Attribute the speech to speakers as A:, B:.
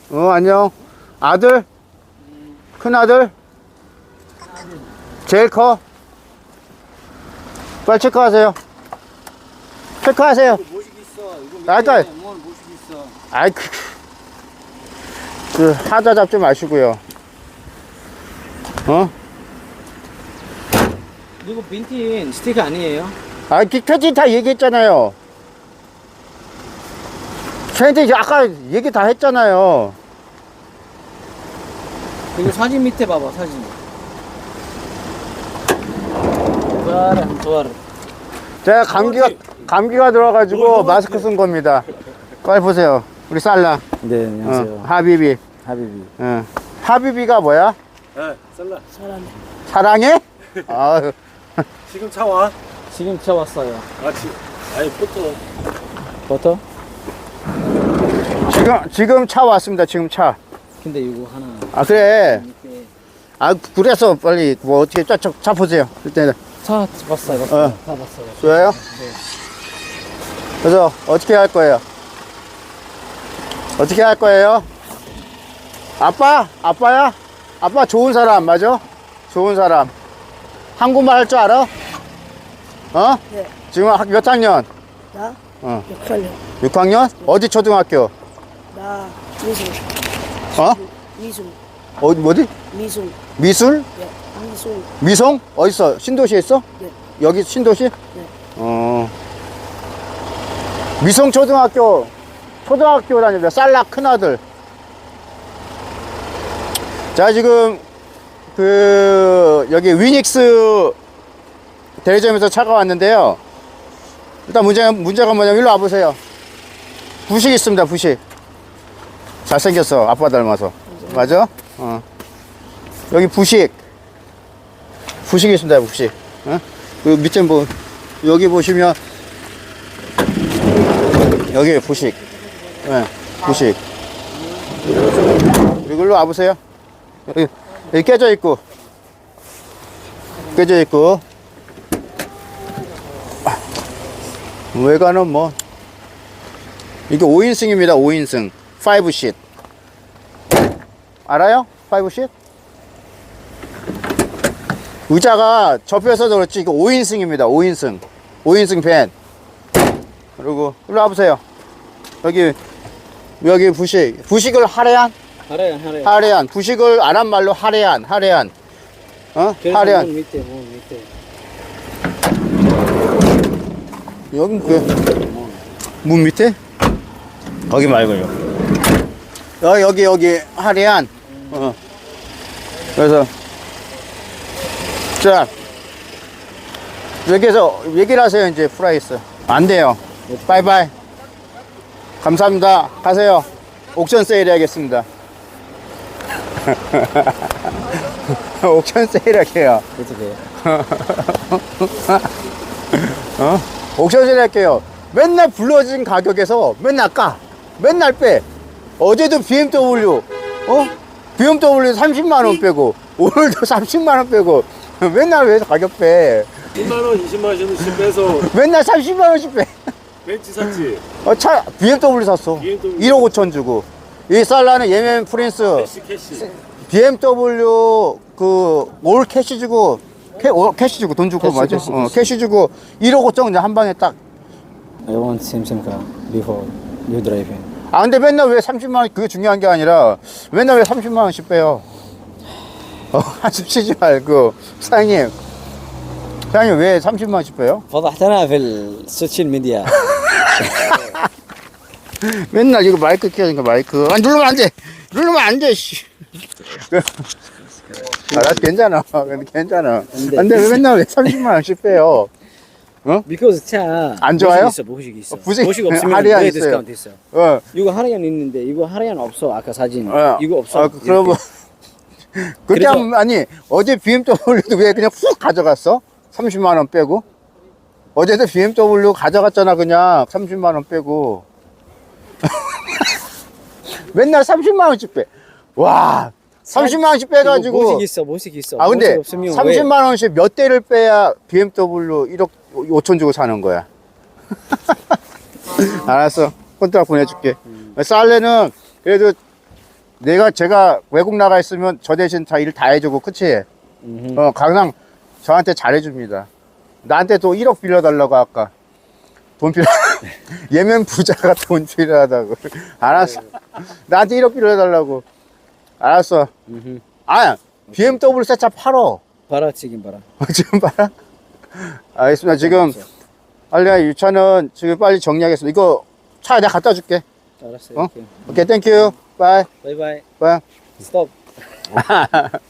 A: 안녕. 아들? 큰 아들? 제일 커? 빨리 체크하세요. 체크하세요.
B: 모시기 있어. 이거
A: 아까
B: 뭘 모시기 있어.
A: 아이 그 하자 잡지 마시고요.
B: 이거 빈틴 스티커 아니에요?
A: 아, 캐치 다 얘기했잖아요. 저한테 아까 얘기 다 했잖아요.
B: 이거 사진 밑에 봐봐, 사진. 좋아라.
A: 제가 감기가 들어가지고 마스크 쓴 겁니다. 빨리 보세요. 우리 살라.
B: 네, 안녕하세요.
A: 하비비.
B: 하비비.
A: 하비비가 뭐야?
C: 네, 셀라.
A: 사랑해? 아유.
C: 지금 차 와?
B: 지금 차 왔어요.
C: 아니, 포토.
B: 버터?
A: 지금 차 왔습니다. 지금 차.
B: 근데 이거 하나.
A: 아, 그래.
B: 이렇게.
A: 아, 그래서 빨리 뭐 어떻게 차 보세요. 일단은.
B: 차 봤어요. 다 봤어요.
A: 좋아요?
B: 네.
A: 그래서 어떻게 할 거예요? 어떻게 할 거예요? 아빠야? 아빠 좋은 사람 맞아? 좋은 사람. 한국말 할 줄 알아?
D: 네.
A: 지금 몇 학년?
D: 나? 6학년.
A: 6학년? 어디 초등학교?
D: 나 미술. 미술.
A: 뭐지?
D: 미술.
A: 미술?
D: 네. 미술.
A: 미송? 어딨어? 신도시에 있어?
D: 네.
A: 여기 신도시?
D: 네.
A: 미송 초등학교 다니는데 쌀락 큰아들. 자, 지금 여기 위닉스 대리점에서 차가 왔는데요. 일단 문제가 뭐냐면 일로 와보세요. 부식 있습니다. 부식. 잘생겼어. 아빠 닮아서. 맞아? 여기 부식 있습니다. 부식. 그 밑에 여기 보시면 여기 부식. 부식. 그리고 일로 와보세요. 여기 깨져 있고 외관은 뭐 이게 5인승입니다. 5인승 5쉿 알아요? 5쉿? 의자가 접혀서 그렇지 이거 5인승입니다. 5인승 밴. 그리고 일로 와보세요. 여기 부식을 하래한 부식을 아랍 말로 하래한 하래한.
B: 문 밑에.
A: 여기 문 밑에? 거기 말고요. 여기 하래한. 그래서 자 여기서 얘기를 하세요. 이제 프라이스 안 돼요. 바이바이. 감사합니다. 가세요. 옥션 세일 해야겠습니다. 옥션 세일 할게요.
B: 어떻게?
A: 옥션 세일 할게요. 맨날 불러진 가격에서 맨날 빼. 어제도 BMW BMW 30만원 빼고 오늘도 30만원 빼고 맨날 왜 가격 빼.
C: 10만원, 20만원씩 빼서
A: 맨날 30만원씩 빼.
C: 벤츠 샀지?
A: 차 BMW 샀어.
C: BMW.
A: 1억 5천 주고. 이 살라는 예멘 프린스
C: 캐시.
A: BMW 올 캐시 주고 캐시 주고 돈 주고 맞아. 캐시 주고 1억 5천 그냥 한 방에 딱.
B: I want same car before you driving.
A: 아 근데 맨날 왜 30만 원 그게 중요한 게 아니라 맨날 왜 30만 원씩 빼요. 한숨 쉬지 말고 사장님 왜 30만 원씩 빼요?
B: فضحتنا في السوشيال ميديا.
A: 맨날 이거 마이크 켜니까 마이크 누르면 안돼 씨. 괜찮아. 근데 왜 맨날 왜 30만 원씩 빼요?
B: because 차
A: 안 좋아요?
B: 모식 있어.
A: 부식
B: 모식 없으면
A: 할인
B: 왜
A: 있어요.
B: 디스카운트 있어? 이거 할인 있는데 이거 할인 없어. 아까 사진 이거 없어.
A: 그러면 그때 아니 어제 BMW도 왜 그냥 훅 가져갔어? 30만 원 빼고 어제도 BMW 가져갔잖아. 그냥 30만 원 빼고 맨날 30만 원씩 빼. 와 30만 원씩 빼가지고
B: 모식 있어.
A: 아 근데
B: 모식 없으면
A: 30만 원씩 몇 대를 빼야 BMW 1억 5천 주고 사는 거야. 알았어. 콘트락 보내줄게. 살레는 그래도 제가 외국 나가 있으면 저 대신 다 일 다 해주고, 그치? 항상 저한테 잘해줍니다. 나한테 또 1억 빌려달라고 아까. 돈 필요, 예멘 부자가 돈 필요하다고. 알았어. 나한테 1억 빌려달라고. 알았어. BMW 새 차 팔어.
B: 봐라, 지금 봐라.
A: 지금 봐라. 알겠습니다. 지금, 이 차는 지금 빨리 정리하겠습니다. 이거 차 내가 갖다 줄게.
B: 알았어요.
A: 오케이, 땡큐. 바이.
B: 바이바이.
A: 바이.
B: 스톱.